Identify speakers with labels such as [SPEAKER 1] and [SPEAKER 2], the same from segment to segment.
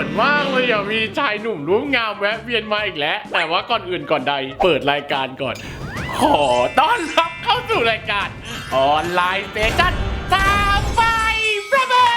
[SPEAKER 1] อนมากเลยอ่ะมีชายหนุ่มรูปงามแวะเวียนมาอีกแล้วแต่ว่าก่อนอื่นก่อนใดเปิดรายการก่อน ขอต้อนรับเข้าสู่รายการออนไลน์สเตชันทางไฟประเบิ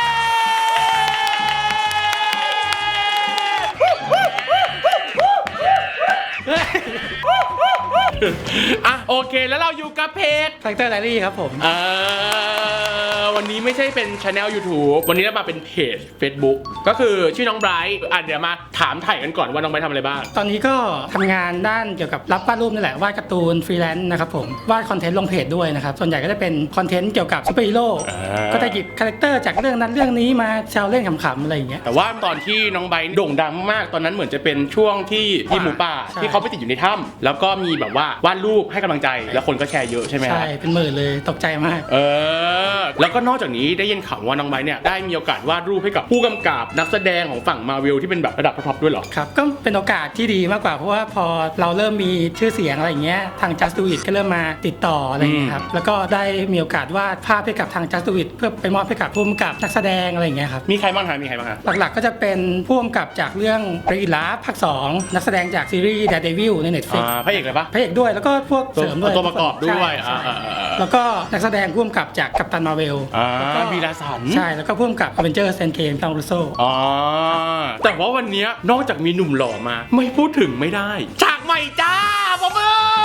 [SPEAKER 1] อ่ะโอเคแล้วเราอยู่กับเพจ
[SPEAKER 2] Factor Diary ครับผม
[SPEAKER 1] วันนี้ไม่ใช่เป็น Channel YouTube วันนี้เรามาเป็นเพจ Facebook ก็คือชื่อน้องไบรท์เดี๋ยวมาถามถ่ายกันก่อนว่าน้องไบรท์ทำอะไรบ้าง
[SPEAKER 2] ตอนนี้ก็ทำงานด้านเกี่ยวกับรับวาดรูปนี่แหละวาดการ์ตูนฟรีแลนซ์นะครับผมวาดคอนเทนต์ลงเพจด้วยนะครับส่วนใหญ่ก็จะเป็นคอนเทนต์เกี่ยวกับซูเปอร์ฮีโร่ก็จะหยิบคาแรคเตอร์จากเรื่องนั้นเรื่องนี้มาแซวเล่นขำๆอะไรอย่างเงี้ย
[SPEAKER 1] แต่ว่าตอนที่น้องไบรท์โด่งดังมากตอนนั้นเหมือนจะเป็นช่วงที่หมูป่าที่เขาไปติดอยู่ในถ้ำแล้วก็มีแบบว่าวาดรูปให้กำลังใจแล้วคนก็แชร์เยอะใช่ไหม
[SPEAKER 2] ใช่เป็นหมื่นเลยตกใจมาก
[SPEAKER 1] แล้วก็นอกจากนี้ได้ยินข่าวว่าน้องไบรท์เนี่ยได้มีโอกาสวาดรูปให้กับผู้กำกับนักแสดงของฝั่งมาเวลที่เป็นแบบระดับท็อปด้วยเหรอ
[SPEAKER 2] ครับก็เป็นโอกาสที่ดีมากกว่าเพราะว่าพอเราเริ่มมีชื่อเสียงอะไรอย่างเงี้ยทาง Just Do It ก็เริ่มมาติดต่ออะไรอย่างเงี้ยครับแล้วก็ได้มีโอกาสวาดภาพให้กับทาง Just Do It เพื่อไปมอบให้กับผู้กำกับนักแสดงอะไรอย่างเงี้ยครับ
[SPEAKER 1] มีใครบ้างฮะ
[SPEAKER 2] หลักๆก็จะเป็นผู้กำกับจากเรื่องเรอิลาภาค2นักแสดงจากซีรีส์ Daredevil ใน Netflix
[SPEAKER 1] พระเอกเลยปะ
[SPEAKER 2] พระเอกด้วยแล้วก็พวกเสริมด้วย
[SPEAKER 1] ตัวประกอบด้วย
[SPEAKER 2] แล้วก็นักแสดงผู้กำกับจากกัปตันมาเวล
[SPEAKER 1] มีราสัน
[SPEAKER 2] ใช่แล้วก็ผู้กำกับ Avengers Endgame ทางรูโซ
[SPEAKER 1] แต่ว่าวันนี้นอกจากมีหนุ่มหล่อมาไม่พูดถึงไม่ได้ฉากใหม่จ้าปอบ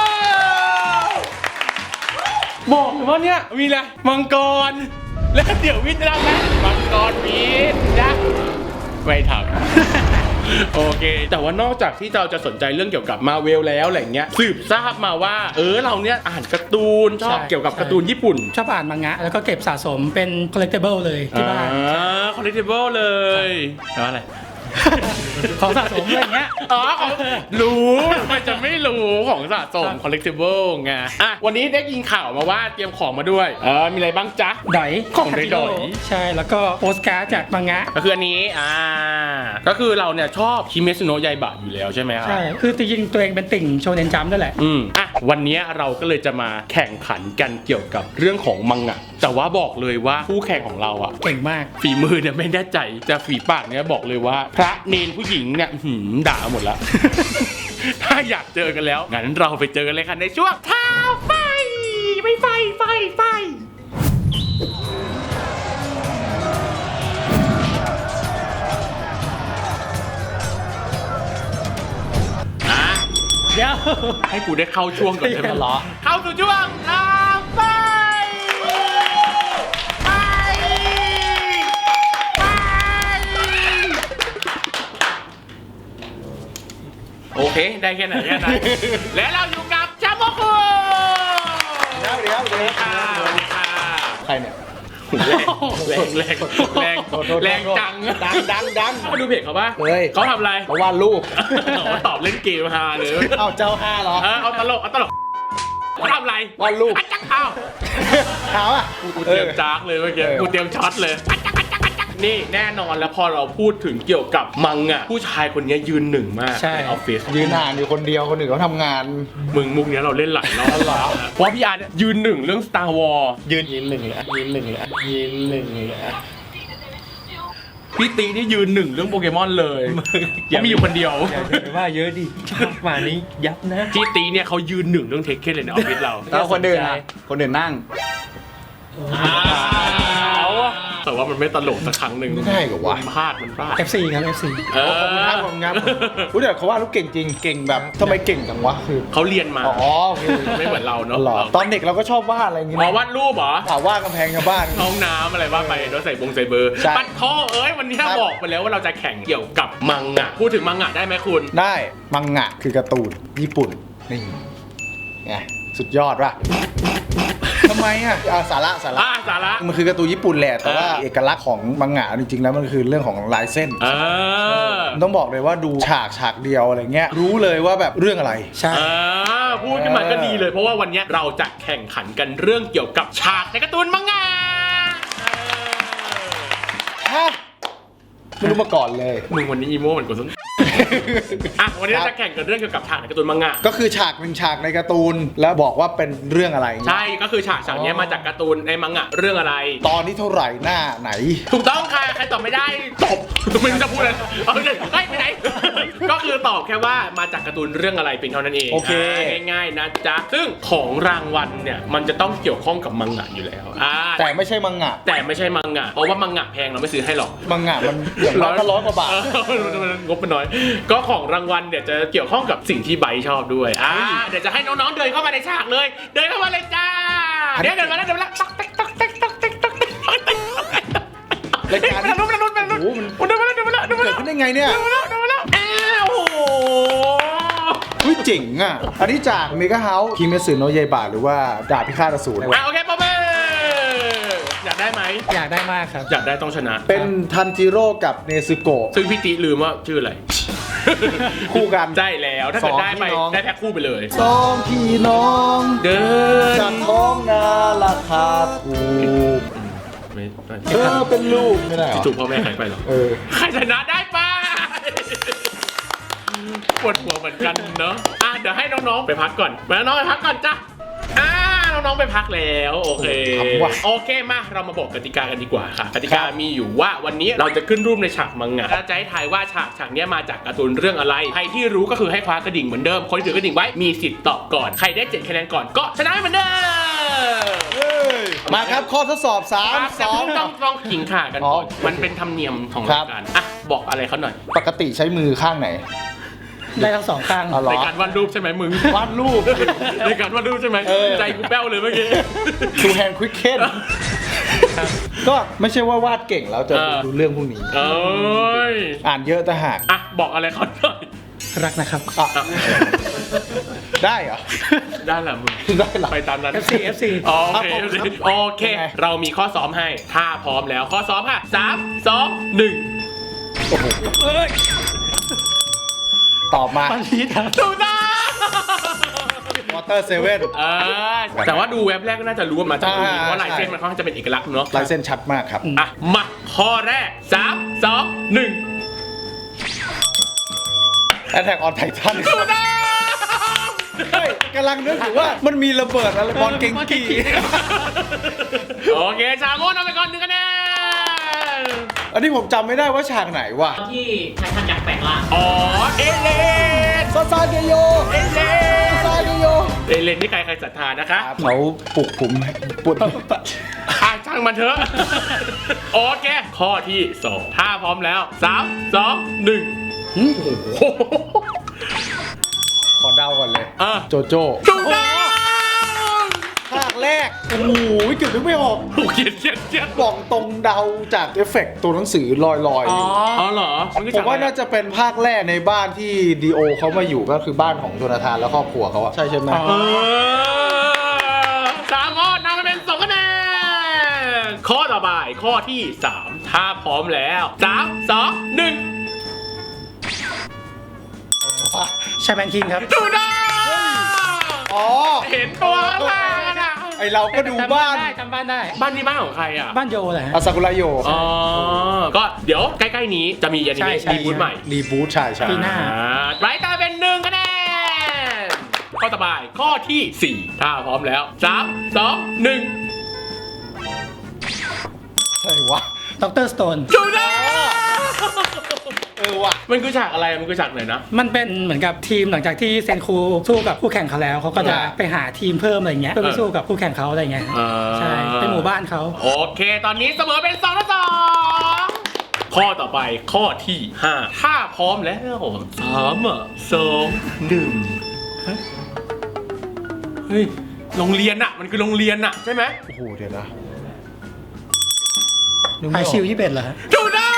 [SPEAKER 1] บอกเลยว่าเนี่ยมีอะไรมังกรแล้วเดี๋ยววิทย์จะทำไหมมังกรวิทย์นะไม่ทำโอเคแต่ว่านอกจากที่เราจะสนใจเรื่องเกี่ยวกับมาเวลแล้วอะไรเงี้ยสืบทราบมาว่าเราเนี่ยอ่านการ์ตูนชอบเกี่ยวกับการ์ตูนญี่ปุ่น
[SPEAKER 2] ชอบอ่านมังงะแล้วก็เก็บสะสมเป็น collectible เลยที่บ้าน
[SPEAKER 1] collectible เลยแล้วอะไร
[SPEAKER 2] ของสะสมอะไรเงี้ย
[SPEAKER 1] รู้มันจะไม่รู้ของสะสม collectible ไงวันนี้ได้ยินข่าวมาว่าเตรียมของมาด้วยมีอะไรบ้างจ๊ะ
[SPEAKER 2] ดอย
[SPEAKER 1] ของดอย
[SPEAKER 2] ใช่แล้วก็โปสการ์ดจากมังงะ
[SPEAKER 1] ก็คืออันนี้ก็คือเราเนี่ยชอบคิเมซุโนะยาอิบะอยู่แล้วใช่ไหมครับ
[SPEAKER 2] ใช่คือจริงๆตัวเองเป็นติ่งโชเน็นจัมป์ด้วยแหละ
[SPEAKER 1] วันนี้เราก็เลยจะมาแข่งขันกันเกี่ยวกับเรื่องของมังงะแต่ว่าบอกเลยว่าผู้แข่งของเรา
[SPEAKER 2] เก่งมาก
[SPEAKER 1] ฝีมือเนี่ยไม่แน่ใจแต่ฝีปากเนี่ยบอกเลยว่าพระเนนผู้หญิงเนี่ยด่าหมดแล้ว ถ้าอยากเจอกันแล้วงั้นเราไปเจอกันเลยค่ะในช่วงท้าไฟไม่ไฟ
[SPEAKER 2] เดี๋ยว
[SPEAKER 1] ให้กูได้เข้าช่วงก่อนใช่ไหมเหรอเข้าสู่ช่วงท้าไฟโอเคได้แค่ไหนและเราอยู่กับชาโมคุ
[SPEAKER 3] เดี๋ยว
[SPEAKER 1] ใครเนี่ยแรงจังมาดูเพจเขาป่ะเขาทำอะไร
[SPEAKER 3] เขาวาดรูป
[SPEAKER 1] เขาตอบเล่นเกมฮาเลย
[SPEAKER 3] เอาเจ้าฮาเหรอ
[SPEAKER 1] เอาตลกเขาทำอะไร
[SPEAKER 3] วาดรูป
[SPEAKER 1] จักเอากูเตรียมจักเลยเมื่อกี้กูเตรียมช็อตเลยนี่แน่นอนแล้วพอเราพูดถึงเกี่ยวกับมังอ่ะผู้ชายคนนี้ยืนหนึ่งมากในออฟฟิศ
[SPEAKER 3] ยืนอ่านอยู่คนเดียวคนอื่นเขาทำงาน
[SPEAKER 1] มึงมุกนี้เราเล่นหลายรอบแล้วเพราะพี่อาร์ตยืนหนึ่งเรื่อง Star Wars
[SPEAKER 3] ยืนหนึ่งเลย
[SPEAKER 1] พี่ตีนี่ยืนหนึ่งเรื่องโปเกมอนเลยยังมีอยู่คนเดียว
[SPEAKER 3] อย่าว่าเยอะดิมานี้ยับนะ
[SPEAKER 1] พี่ตีเนี่ยเขายืนหนึ่งเรื่องเทคเคนเลยในออฟฟิศเรา
[SPEAKER 3] แล้วคนอื่นนั่ง
[SPEAKER 1] แต่ว่ามันไม่ตลกสักครั้งหนึ่ง
[SPEAKER 3] ไม่ได้กับว่า
[SPEAKER 1] มันพลาด
[SPEAKER 2] FC ครับ FC
[SPEAKER 3] ขอบคุณครับรู้แต่เขาว่าลูกเก่งจริงเก่งแบบทำไมเก่งจังวะคือ
[SPEAKER 1] เขาเรียนมาไม่เหมือนเราเนาะ
[SPEAKER 3] ตอนเด็กเราก็ชอบวาดอะไรอย่างงี้
[SPEAKER 1] วาดรูปเหรอ
[SPEAKER 3] วาดกำแพงชาวบ้าน
[SPEAKER 1] ห้องน้ำอะไรว่าไปโดยใส่เบอร์ปัดท่อวันนี้บอกไปแล้วว่าเราจะแข่งเกี่ยวกับมังงะพูดถึงมังงะได้ไหมคุณ
[SPEAKER 3] ได้มังงะคือการ์ตูนญี่ปุ่นนี่ไงสุดยอดว่ะทำไมสาระมันคือการ์ตูนญี่ปุ่นแหละแต่ว่าเอกลักษณ์ของมังงะจริงๆแล้วมันคือเรื่องของลายเส้นต้องบอกเลยว่าดูฉากเดียวอะไรเงี้ยรู้เลยว่าแบบเรื่องอะไร
[SPEAKER 2] ใช่
[SPEAKER 1] พูดขึ้นมาก็ดีเลยเพราะว่าวันนี้เราจะแข่งขันกันเรื่องเกี่ยวกับฉากในการ์ตูนมังงะ
[SPEAKER 3] ไม่รู้มาก่อนเลย
[SPEAKER 1] มึงวันนี้อีโม่เหมือนกูอ่ะวันนี้เราจะแข่งกันเรื่องเกี่ยวกับฉากในการ์ตูนมังงะ
[SPEAKER 3] ก็คือฉากหนึ่งฉากในการ์ตูนแล้วบอกว่าเป็นเรื่องอะไร
[SPEAKER 1] ใช่ก็คือฉากนี้มาจากการ์ตูนในมังงะเรื่องอะไร
[SPEAKER 3] ตอนนี้เท่าไหร่หน้าไหน
[SPEAKER 1] ถูกต้องค่ะใครตอบไม่ได้ตบไม่รู้จะพูดอะไรเอาเลยไปไหน ก็คือตอบแค่ว่ามาจากการ์ตูนเรื่องอะไรเป็นเท่านั้นเอง
[SPEAKER 3] โอเค
[SPEAKER 1] ง่ายๆนะจ๊ะซึ่งของรางวัลเนี่ยมันจะต้องเกี่ยวข้องกับมังงะอยู่แล้ว
[SPEAKER 3] แต่ไม่ใช่มังงะ
[SPEAKER 1] แต่ไม่ใช่มังงะเพราะว่ามังงะแพงเราไม่ซื้อให้หรอก
[SPEAKER 3] มังงะมันอย่างน้อยก็100 กว่าบาท
[SPEAKER 1] งบมันน้อย ก็ของรางวัลเนี่ยจะเกี่ยวข้องกับสิ่งที่ไบร์ทชอบด้วยเดี๋ยวจะให้น้องๆเดินเข้ามาในฉากเลย เดินเข้ามาเลยจ้าเดินมาแล้วต๊อกเต๊กต๊อกเต๊กต๊อกเต๊กต๊อกเต๊ก
[SPEAKER 3] รายการนี้
[SPEAKER 1] มัน
[SPEAKER 3] โอ้โหมัน
[SPEAKER 1] เดินมาแล้ว
[SPEAKER 3] เกิดขึ้นได้ไงเนี่ย
[SPEAKER 1] อ้าวโอ้โห
[SPEAKER 3] เฮ้ยเจ๋งอ่ะ อันนี้จากเมกาเฮาส์คิเมสึโนะเยบะหรือว่าดาบพิฆาตอสูร
[SPEAKER 1] โอเคป๊อปเป้อยากได้ไหม
[SPEAKER 2] อยากได้มากครับ
[SPEAKER 1] อยากได้ต้องชนะ
[SPEAKER 3] เป็นทันจิโร่กับเนซึโกะ
[SPEAKER 1] ซึ่งพี่ติลืมว่าชื่ออะไร
[SPEAKER 3] คู่กัน
[SPEAKER 1] ได้แล้วถ้าเกิดได้ไป
[SPEAKER 3] สองพี่น้อง
[SPEAKER 1] ได้แพ็คคู่ไปเลย
[SPEAKER 3] สองพี่น้อง
[SPEAKER 1] เดิน
[SPEAKER 3] จากท้องนาราคาถูก
[SPEAKER 1] ไม่
[SPEAKER 3] เธอเป็นลูกไม่ได้เหรอ
[SPEAKER 1] ถูกพ่อแม่ใครไปหรอ ใครชนะได้ไปปวดหัวเหมือนกันเนาะเดี๋ยวให้น้องๆไปพักก่อนน้องๆไปพักก่อนจ้ะน้องๆไปพักแล้วโอเคโอเคมาเรามาบอกกติกากันดีกว่าค่ะกติกามีอยู่ว่าวันนี้เราจะขึ้นรูปในฉากมังงะจะให้ทายว่าฉากนี้มาจากการ์ตูนเรื่องอะไรใครที่รู้ก็คือให้คว้ากระดิ่งเหมือนเดิมคนที่ถือกระดิ่งไว้มีสิทธิ์ตอบก่อนใครได้7คะแนนก่อนก็ชนะเหมือนเดิม
[SPEAKER 3] มาครับข้อทดสอบ 3 2
[SPEAKER 1] ต้องขิงข่ากันก่อนมันเป็นธรรมเนียมของรายการบอกอะไรเขาหน่อย
[SPEAKER 3] ปกติใช้มือข้างไหน
[SPEAKER 2] ได้ทั้งสองข้าง
[SPEAKER 3] อ๋อเหรอ
[SPEAKER 1] ในการวาดรูปใช่ไหมมึง
[SPEAKER 3] วาดรูป
[SPEAKER 1] ในการวาดรูปใช่ไหมใจกูแป้วเลยเมื่อกี้
[SPEAKER 3] ทูแฮนด์ควิกเคนก็ไม่ใช่ว่าวาดเก่งแล้วจะดูเรื่องพวกนี้
[SPEAKER 1] เอ้ย
[SPEAKER 3] อ่านเยอะแต่หาก
[SPEAKER 1] บอกอะไรเขาหน่อย
[SPEAKER 2] รักนะครับ
[SPEAKER 3] ได้เหรอ
[SPEAKER 1] ได้แหละมึง
[SPEAKER 3] ได้เหรอ
[SPEAKER 1] ไปตามนั้น
[SPEAKER 2] FC
[SPEAKER 1] โอเคโอเค เรามีข้อซ้อมให้ถ้าพร้อมแล้วข้อซ้อมค่ะ3 2 1
[SPEAKER 3] โอ้โหตอบมา
[SPEAKER 2] วันนี้ครับ
[SPEAKER 1] ถูกต้อง
[SPEAKER 3] วอเตอร์เซเว่น
[SPEAKER 1] แต่ว่าดูเว็บแรกก็น่าจะรู้ว่ามาจากตรงนี้
[SPEAKER 3] ใช่
[SPEAKER 1] เพราะลายเส้นมันค่อนข้างจะเป็นเอกลักษณ์เนาะ
[SPEAKER 3] ลายเส้นชัดมากครับ
[SPEAKER 1] มาข้อแรก3 2 1
[SPEAKER 3] แอทแทกออนไททัน
[SPEAKER 1] ถูกต้อง
[SPEAKER 3] กำลังนึกถึงว่ามันมีระเบิดอะไรบอลเก่งกี
[SPEAKER 1] โอเคชาโม่นำไปก่อน1 คะแนน
[SPEAKER 3] อันนี้ผมจำไม่ได้ว่าฉากไหนว่ะ
[SPEAKER 4] ที่ไททันยักษ์แปลงร่าง
[SPEAKER 1] เอเลน
[SPEAKER 3] ซาซาเกโย
[SPEAKER 1] เอเลน
[SPEAKER 3] ซาซาเกโย
[SPEAKER 1] เอเลนนี่ใครศรัทธานะคะ
[SPEAKER 3] เขาปลุกผมปวด
[SPEAKER 1] ช่างมันเถอะ โอเค ข้อที่ 2 ถ้าพร้อมแล้ว 3 2 1
[SPEAKER 3] ขอเดาก่อนเลย โจโจ้
[SPEAKER 1] ถูกต้อง
[SPEAKER 3] ภาคแรก โอ้โหเกือบนึกไม่ออก
[SPEAKER 1] โอ้เขียน
[SPEAKER 3] บอกตรงเดาจากเอฟเฟกต์ตัวหนังสือลอย
[SPEAKER 1] อ๋อเหรอ
[SPEAKER 3] ผมว่าน่าจะเป็นภาคแรกในบ้านที่ดีโอเขามาอยู่ก็คือบ้านของโจนาธานและครอบครัวเขาอะใช่ไหม
[SPEAKER 1] 3 ข้อนำไปเป็น2 คะแนน ข้อต่อไปข้อที่ 3 ถ้าพร้อมแล้ว 3 2 1
[SPEAKER 2] ชาแมนคิงครับ
[SPEAKER 1] ถูกต้อง
[SPEAKER 3] อ๋อ
[SPEAKER 1] เห็นตัวล่างอะ
[SPEAKER 3] ไอเราก็ดูบ้าน
[SPEAKER 2] จำบ้านได้
[SPEAKER 1] บ้านนี้บ้านของใครอ่ะ
[SPEAKER 2] บ้านโยแหละ
[SPEAKER 3] อาซากุระโย
[SPEAKER 1] ก็เดี๋ยวใกล้ๆนี้จะมีอนิเมะ
[SPEAKER 2] ใช่
[SPEAKER 1] รีบูทใหม่
[SPEAKER 3] รีบูทใช่ใช่
[SPEAKER 2] ปีหน้า
[SPEAKER 1] ไรตาเป็น1 คะแนน ข้อต่อไปข้อที่ 4 ถ้าพร้อมแล้ว 3 2 1
[SPEAKER 3] ใช่วะ
[SPEAKER 2] ดรสโตน
[SPEAKER 1] ถูกต้อง
[SPEAKER 3] ว่ะ
[SPEAKER 1] มันคือฉากอะไรมันคือฉากไหนนะ
[SPEAKER 2] มันเป็นเหมือนกับทีมหลังจากที่เซนคูสู้กับคู่แข่งเขาแล้วเขาก็จะไปหาทีมเพิ่มอะไรเงี้ยเพื่อไปสู้กับคู่แข่งเขาอะไรเงี้ยใช่เป็นหมู่บ้านเขา
[SPEAKER 1] โอเค ตอนนี้เสมอเป็น2 ต่อ 2 ข้อต่อไปข้อที่ 5 ถ้าพร้อมแล้ว3 2 1เฮ้ยโรงเรียนอะมันคือโรงเรียนอะใช่ไหม
[SPEAKER 3] โอ้โหเดี๋ยวนะ
[SPEAKER 2] ไอชิว21เหรอฮะ
[SPEAKER 1] ถูกต้อง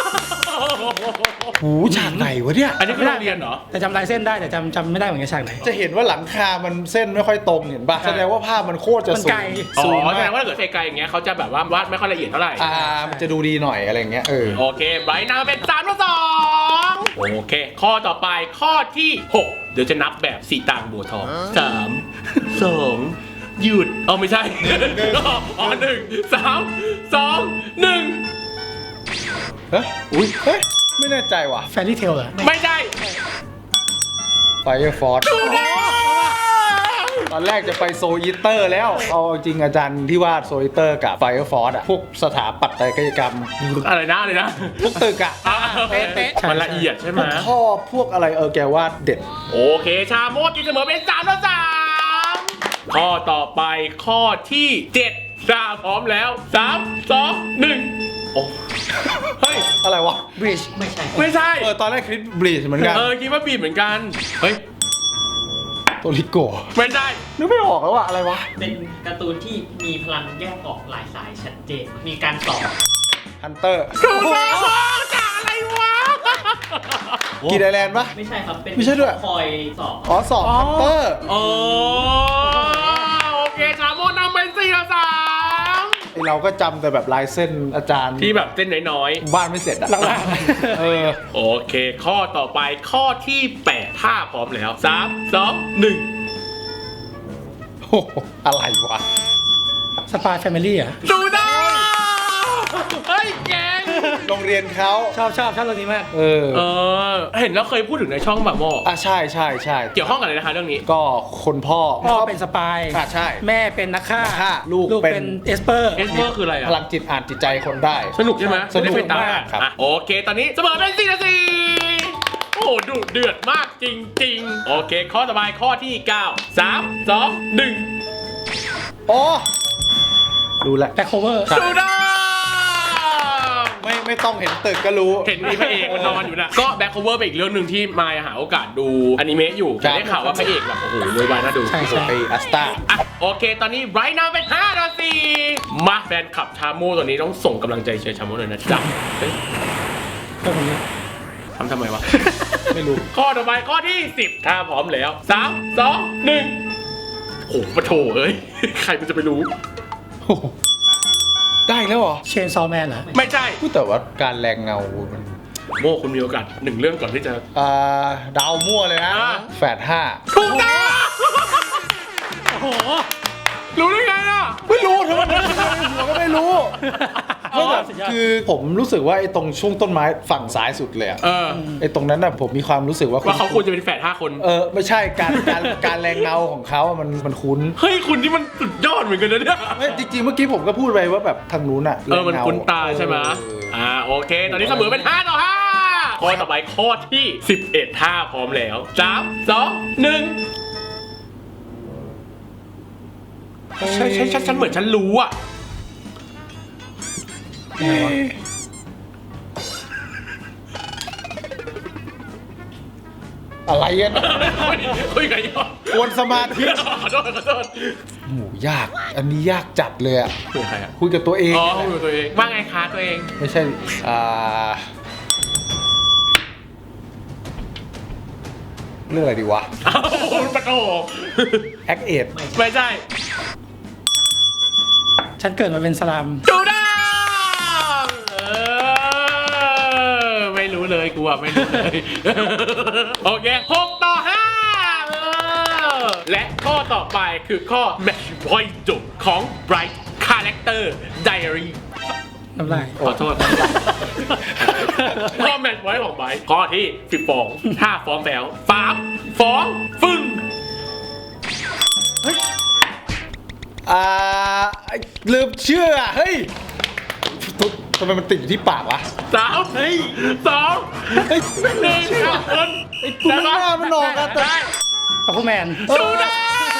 [SPEAKER 3] หูฉากไหนวะเนี่ย
[SPEAKER 1] อันนี้คือโรงเรียนเหรอ
[SPEAKER 2] แต่จำลายเส้นได้แต่จำไม่ได้เหมือนกันฉากไหน
[SPEAKER 3] จะเห็นว่าหลังคามันเส้นไม่ค่อยตรงเห็นป่ะ
[SPEAKER 1] ใช่
[SPEAKER 3] แสดงว่าภาพมันโคตรจะ
[SPEAKER 2] มัน
[SPEAKER 3] สู
[SPEAKER 2] ไกล
[SPEAKER 3] งสูง
[SPEAKER 1] แส
[SPEAKER 3] มา
[SPEAKER 1] ด
[SPEAKER 3] ก
[SPEAKER 1] งว่าถ้าเกิดไกลๆอย่างเงี้ยเขาจะแบบว่าวาดไม่ค่อยละเอียดเท่าไหร่
[SPEAKER 3] มันจะดูดีหน่อยอะไรอย่างเงี้ย
[SPEAKER 1] โอเคไบรท์นำเป็น3 ต่อ 2 โอเค ข้อต่อไปข้อที่ 6 เดี๋ยวจะนับแบบสีตางบัวทอง3 2 หยุดไม่ใช่ 1 3 2 1
[SPEAKER 3] เฮ้ยอุ้ยเฮ้ยไม่แน่ใจว่ะ
[SPEAKER 2] แฟรี่เทลเหรอ
[SPEAKER 1] ไม่ใช่
[SPEAKER 3] Fire Force
[SPEAKER 1] ถูกต้อง
[SPEAKER 3] ตอนแรกจะไปโซอิเตอร์แล้ว เอาจริงอาจารย์ที่วาดโซอิเตอร์กับ Fire Force อะพวกสถาปัตยกรรม
[SPEAKER 1] อะไรนะอะไรนะ
[SPEAKER 3] พวกตึกอะ
[SPEAKER 2] เป๊ะ
[SPEAKER 1] มันละเอียดใช่ไห
[SPEAKER 3] พ
[SPEAKER 1] ม
[SPEAKER 3] วกท่อพวกอะไรแกวาดเด็ด
[SPEAKER 1] โอเคชาโมดกินเสมอเป็น3-3ข้อต่อไปข้อที่7ชาพร้อมแล้ว3 2 1โอ้เฮ้ย
[SPEAKER 3] อะไรวะ
[SPEAKER 2] บริดจ์
[SPEAKER 4] ไม่ใช่
[SPEAKER 1] ไม่ใช่
[SPEAKER 3] ตอนแรกคลิปบลีชเหมือนกัน
[SPEAKER 1] คิดว่าบีบเหมือนกันเฮ้ย
[SPEAKER 3] โตริโกะ
[SPEAKER 1] ไม่ใช่
[SPEAKER 3] นึกไม่ออกแล้วว่าอะไรวะ
[SPEAKER 4] เป็นการ์ตูนที่มีพลังแยกออกหลายสายชัดเจน มีการต่อ
[SPEAKER 3] ฮันเตอร์
[SPEAKER 1] ถูกต้องจากอะไรวะ
[SPEAKER 3] กีดไอแลนด์ปะ
[SPEAKER 4] ไม่ใช่ครับ เป็น
[SPEAKER 3] ไม่ใช่ด้วย
[SPEAKER 4] คอยสอบ
[SPEAKER 3] อ๋อสอบฮันเตอร์
[SPEAKER 1] โอ้โอเคชาโมดนำเป็น4-3
[SPEAKER 3] ไอเราก็จำแต่แบบลายเส้นอาจารย์
[SPEAKER 1] ที่แบบเส้นน้อย
[SPEAKER 3] บ้านไม่เสร็จอะ
[SPEAKER 2] หลัง
[SPEAKER 3] เออ
[SPEAKER 1] ๆโอเค ข้อต่อไปข้อที่8ถ้าพร้อมแล้ว3 2 1
[SPEAKER 3] โอ้โหอะไรวะ
[SPEAKER 2] ๆสปายแฟมิลี่อ่ะ
[SPEAKER 1] ดูได้เฮ้ยแกง
[SPEAKER 3] โรงเรียนเขา
[SPEAKER 2] ชอบเรื่องนี้มาก
[SPEAKER 3] เออ
[SPEAKER 1] เห็นแล้วเคยพูดถึงในช่องแบบโม
[SPEAKER 3] ใช่ใช่ใช่
[SPEAKER 1] เกี่ยวข้องกับอะไรนะคะเรื่องนี้
[SPEAKER 3] ก็คนพ่อ
[SPEAKER 2] พ่อเป็นสปาย
[SPEAKER 3] ใช่
[SPEAKER 2] แม่เป็นนักฆ่า
[SPEAKER 3] นักฆ่าลูก
[SPEAKER 2] เป็
[SPEAKER 3] เป็น
[SPEAKER 2] นเอสเปอร์
[SPEAKER 1] เอสเปอร์คืออะไร
[SPEAKER 3] พ
[SPEAKER 1] อ่ะ
[SPEAKER 3] ลังจิตอ่านจิตใจคนได้
[SPEAKER 1] สนุกใช่ไหม
[SPEAKER 3] สนุก
[SPEAKER 1] ได้ไปต
[SPEAKER 3] มากครับ
[SPEAKER 1] อ่ะโอเคตอนนี้เสมอเป็น4-4โอ้โหดุเดือดมากจริงๆ โอเค ข้อต่อไปข้อที่ 9 3 2 1
[SPEAKER 3] อ๋อรู้แล้ว
[SPEAKER 2] แบ็คโคเวอร์
[SPEAKER 1] ดูได้
[SPEAKER 3] ไม่ต้องเห็นตึกก็รู้
[SPEAKER 1] เห็นมีพระเอกมันนอนอยู่นะ ก็แบ็คโคเวอร์เป็นอีกเรื่องหนึ่งที่มายหาโอกาสดูอนิเมะอยู่
[SPEAKER 3] ครั
[SPEAKER 1] แต่
[SPEAKER 3] บ
[SPEAKER 1] ได้ข่าวว่าพระเอกแบบโอ้โหรวยวายน่าดู
[SPEAKER 2] ใช่ใช่
[SPEAKER 3] ไปอัสตา
[SPEAKER 1] อ่ะโอเค ตอนนี้ไรท์นาวเป็น5-4มาแฟนคลับชาโม่ตัวนี้ต้องส่งกำลังใจเชียร์ชาโม่หน่อยนะจ๊ะเฮ้ย
[SPEAKER 2] ก็ผมนี้
[SPEAKER 1] ทำไมวะ
[SPEAKER 3] ไม่รู้
[SPEAKER 1] ข้อต่อไปข้อที่ 10 ถ้าพร้อมแล้ว 3 2 1โอ้โหปะโถเอ้ย ใครมันจะไปรู้
[SPEAKER 3] โอ้โหได้แล้วเหรอ
[SPEAKER 2] เชนซอแมนเหรอ
[SPEAKER 1] ไม่ใช่
[SPEAKER 3] พูดแต่ว่าการแรงเงามัน
[SPEAKER 1] โมคุณมีโอกาส1 เรื่องก่อนที่จะ
[SPEAKER 3] ดาวมั่วเลยนะ
[SPEAKER 1] อ่า
[SPEAKER 3] แฝดห้า
[SPEAKER 1] ถูกต้อง
[SPEAKER 2] โอ้โห
[SPEAKER 1] รู้ได้ไงอ่ะ
[SPEAKER 3] ไม่รู้ทำไมหัวก็ไม่รู้
[SPEAKER 1] อ๋อ
[SPEAKER 3] ไม่แบบคือผมรู้สึกว่าไอ้ตรงช่วงต้นไม้ฝั่งซ้ายสุดเลยอะ ไอ้ตรงนั้นน่ะผมมีความรู้สึกว่า
[SPEAKER 1] ว่าเขาควรจะเป็นแฝด5 คน
[SPEAKER 3] ไม่ใช่การแรงเงาของเขาอะมันคุ้น
[SPEAKER 1] เฮ้ย คุณนี่มันสุดยอดเหมือนกันนะเนี่ย
[SPEAKER 3] ไม่จริงๆเมื่อกี้ผมก็พูดไปว่าแบบทางนู้นอะแรง
[SPEAKER 1] มัน
[SPEAKER 3] เงา
[SPEAKER 1] คุ้นตาใช่ไหมโอเค ตอนนี้เสมอเป็น5-5ข้อต่อไปข้อที่ 11ถ้าพร้อมแล้ว 3 2 1ฉันเหมือนฉันรู้อ่ะ
[SPEAKER 3] อะไรกัน
[SPEAKER 1] คุยกันยอด
[SPEAKER 3] กวนสมาธิ
[SPEAKER 1] ขอโทษ
[SPEAKER 3] หมูยาก อันนี้ยากจัดเลยอะ
[SPEAKER 1] คุยกับใครอ่ะ
[SPEAKER 3] คุยกับตัวเอง
[SPEAKER 1] อ๋อคุยกับตัวเองว่าไงคะตัวเอง
[SPEAKER 3] ไม่ใช่เรื่องอะไรดีวะ
[SPEAKER 1] อ้าวปะโถ
[SPEAKER 3] แอคเอด
[SPEAKER 1] ไม่ใช่
[SPEAKER 2] ฉันเกิดมาเป็นสลาม
[SPEAKER 1] ดูได้ไม่รู้เลยกูอ่ะไม่รู้เลย โอเค6-5และข้อต่อไปคือข้อ Match Point จบของ Bright Character Diary
[SPEAKER 2] น้ำลาย
[SPEAKER 1] ขอโทษ ข้อ Match Point ของ Bright ข้อที่12ถ้าฟ้องแล้ว3ฟ้องฟึ่ง
[SPEAKER 3] ลืมเชื่ออะเฮ้ยทำไมมันติดอยู่ที่ปากวะ
[SPEAKER 1] 3 2
[SPEAKER 3] เฮ้ย
[SPEAKER 1] 1ครับคน
[SPEAKER 3] กูไม่น่ามันออกอะแต่
[SPEAKER 1] ได้
[SPEAKER 2] ปัฟฟูแมน
[SPEAKER 1] ดูได้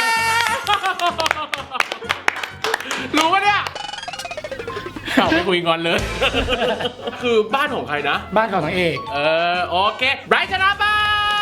[SPEAKER 1] รู้ปะเนี่ยเอาไปคุยงอนเลย คือบ้านของใครนะ
[SPEAKER 2] บ้านของนางเอก
[SPEAKER 1] โอเคไบรท์ชนะไป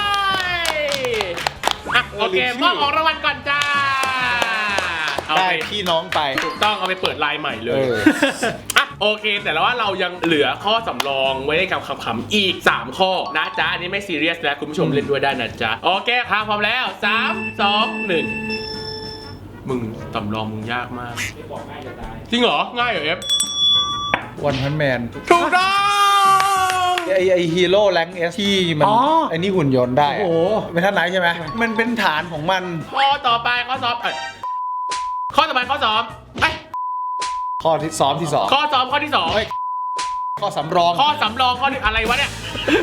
[SPEAKER 1] อ่ะโอเคมอบของรางวัลก่อนจ้า เอา
[SPEAKER 3] ได้
[SPEAKER 1] ไป
[SPEAKER 3] พี่น้องไป
[SPEAKER 1] ถูกต้องเอาไปเปิดไลน์ใหม่เล
[SPEAKER 3] เอย อ
[SPEAKER 1] อ่ะโอเค แต่ว่าเรายังเหลือข้อสำรองไว้ในคำๆอีก 3 ข้อนะจ๊ะ อันนี้ไม่ซีเรียสแล้วคุณผู้ชมเล่นด้วยได้นะจ๊ะ โอเคครับพร้อมแล้ว 3 2 1 มึงสำรองมึงยากมาก จริงเหรอ ง่ายเหรอเอฟ
[SPEAKER 3] วันพันแมน
[SPEAKER 1] ถูกต้อง
[SPEAKER 3] ไอฮีโร่แรงเอสที่มัน
[SPEAKER 2] อ๋อ
[SPEAKER 3] ไอนี่หุ่นยนต์ได้ะ
[SPEAKER 2] โอ้โห
[SPEAKER 3] เป็นท่านไหนใช่ไหมมันเป็นฐานของมัน
[SPEAKER 1] ข้อต่อไปข้อสอบข้อต่อไปข้อสอบ
[SPEAKER 3] ข้อที่ซ้อมที่สอง
[SPEAKER 1] ข้อสอบข้อที่สอง
[SPEAKER 3] เฮ้ยข้อสำรอง
[SPEAKER 1] ข้อสำรองข้อหนึ่งอะไรวะเนี่ย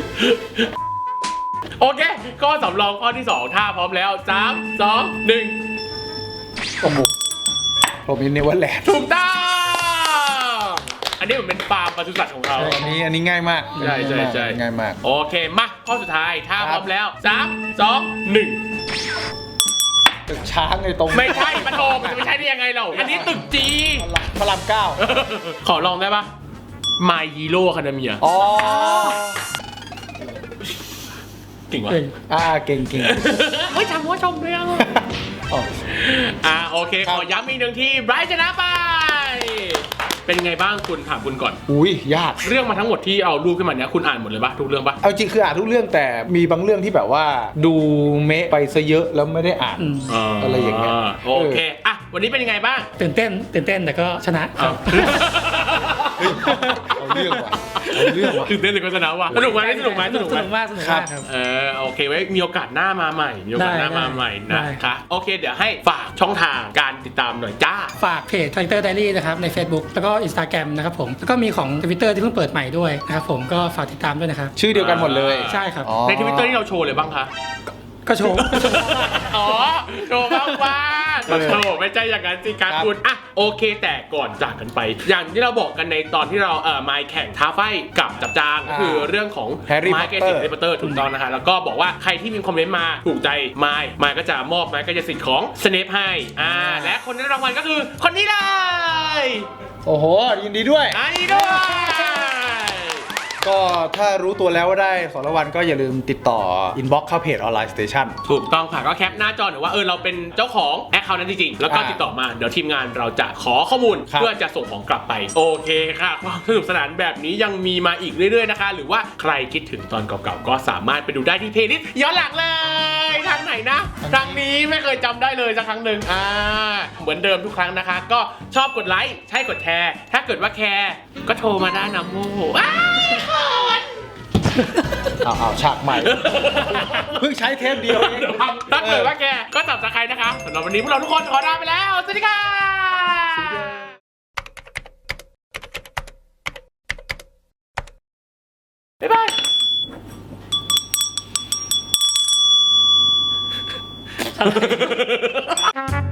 [SPEAKER 1] โอเค ข้อสำรองข้อที่ 2 ถ้าพร้อมแล้ว 3 2 1
[SPEAKER 3] โอ้โหผมอินเนเวอร์แลนด์
[SPEAKER 1] ถูกต้องอันนี้เหมือนเป็นฟาร์มปศุสัตว์ของเรา
[SPEAKER 3] อันนี้ง่ายมาก
[SPEAKER 1] ใช่ใช่ใช่
[SPEAKER 3] ง่ายมาก
[SPEAKER 1] โอเค มาข้อสุดท้าย ถ้าพร้อมแล้ว 3 2 1
[SPEAKER 3] ตึกช้างในตรง
[SPEAKER 1] ไม่ใช่ปะโทมันจะไม่ใช่ได้ยังไงเรา อันนี้ตึกจี
[SPEAKER 3] พระรามเก้า
[SPEAKER 1] ขอลองได้ปะ My Hero Academia
[SPEAKER 3] อ๋อ
[SPEAKER 1] เก่งวะ
[SPEAKER 2] เก่ง
[SPEAKER 3] เก่ง
[SPEAKER 1] เฮ้ยทำหัวชมเลยอ่ะ
[SPEAKER 3] อ๋อ
[SPEAKER 1] โอเค
[SPEAKER 3] ครั
[SPEAKER 1] ข
[SPEAKER 3] บ
[SPEAKER 1] อย้ำอีกหนึ่งทีไบรท์ชนะไป เป็นไงบ้างคุณถามคุณก่อน
[SPEAKER 3] อุ้ยยาก
[SPEAKER 1] เรื่องมาทั้งหมดที่เอารูปขึ้นมาเนี้ยคุณอ่านหมดเลยปะทุกเรื่องปะ
[SPEAKER 3] เอาจริงคืออ่านทุกเรื่องแต่มีบางเรื่องที่แบบว่าดูเมะไปซะเยอะแล้วไม่ได้อ่าน อะไรอย่างเงี้ย
[SPEAKER 1] โอเค อ่ะ วันนี้เป็นยังไงบ้าง
[SPEAKER 2] ตื่นเต้นแต่ก็ชนะครับ
[SPEAKER 3] เอาเรื่องว่ะเอาเรื่องว่ะ
[SPEAKER 1] ตื่นเต้นเลยก็ชนะว่ะสนุกไหมสนุกไหมสนุก
[SPEAKER 2] ส
[SPEAKER 1] ไหม
[SPEAKER 2] นุกมากครับ
[SPEAKER 1] โอเคไว้มีโอกาสหน้ามาใหม่ มีโอกาสหน้า
[SPEAKER 2] ได้
[SPEAKER 1] มาใหม่
[SPEAKER 2] ได้
[SPEAKER 1] นะคะโอเค เดี๋ยวให้ฝากช่องทางการติดตามหน่อยจ้า
[SPEAKER 2] ฝากเพจ Character Diary นะครับใน Facebook แล้วก็ Instagram นะครับผมแล้วก็มีของ Twitter ที่เพิ่งเปิดใหม่ด้วยนะครับผมก็ฝากติดตามด้วยนะครับ
[SPEAKER 3] ชื่อเดียวกันหมดเลย
[SPEAKER 2] ใช่ครับ
[SPEAKER 3] อ๋อ
[SPEAKER 1] ในทวิตเตอร์ที่เราโชว์เลยบ้างคะ
[SPEAKER 2] ก็โชว์
[SPEAKER 1] อ๋อโชว์บ้างว่าโชว์ไม่ใช่อย่างนั้นสิการคุณอ่ะโอเคแต่ก่อนจากกันไป อย่างที่เราบอกกันในตอนที่เราไมค์แข่งท้าไฟกับจับจางก็คือเรื่องของ
[SPEAKER 3] Harry
[SPEAKER 1] ไมค์เก
[SPEAKER 3] Potter
[SPEAKER 1] สิทธิ์แฮร์รี่พอตเตอร์ถูกต้องนะคะแล้วก็บอกว่าใครที่มีคอมเมนต์มาถูกใจไมค์ก็จะมอบไมค์ก็จะสิทธิ์ของสเนปให้และคนได้รางวัลก็คือคนนี้เลย
[SPEAKER 3] โอ้โห ยินดีด้วย
[SPEAKER 1] อันนี้ด้วย
[SPEAKER 3] ก็ถ้ารู้ตัวแล้วว่าได้ของรางวัลก็อย่าลืมติดต่อ inbox เข้าเพจออนไลน์สเตชัน
[SPEAKER 1] ถูกต้องค่ะก็แคปหน้าจอหรือว่าเราเป็นเจ้าของแอคเคาท์นั้นจริงๆแล้วก็
[SPEAKER 3] อ่า
[SPEAKER 1] ติดต่อมาเดี๋ยวทีมงานเราจะขอข้อมูล
[SPEAKER 3] ครับ
[SPEAKER 1] เพื่อจะส่งของกลับไปโอเคค่ะความสนุกสนานแบบนี้ยังมีมาอีกเรื่อยๆนะคะ หรือว่าใครคิดถึงตอนเก่าๆก็สามารถไปดูได้ที่เพลย์ลิสต์ย้อนหลังเลยทางไหนนะทางนี้ไม่เคยจำได้เลยสักครั้งหนึ่งเหมือนเดิมทุกครั้งนะคะ ก็ชอบกดไลค์ใช่กดแชร์ถ้าเกิดว่าแคร์ก็โทรมาได้นะโมโห
[SPEAKER 3] เอาฉากใหม่ เพิ่งใช้เทปเดียวเอง
[SPEAKER 1] ถ้าเกิดว่าแกก็จับตะไคร้นะคะสำหรับวันนี้พวกเราทุกคนขอลาไปแล้ว สวัสดีค่ะบ๊ายบาย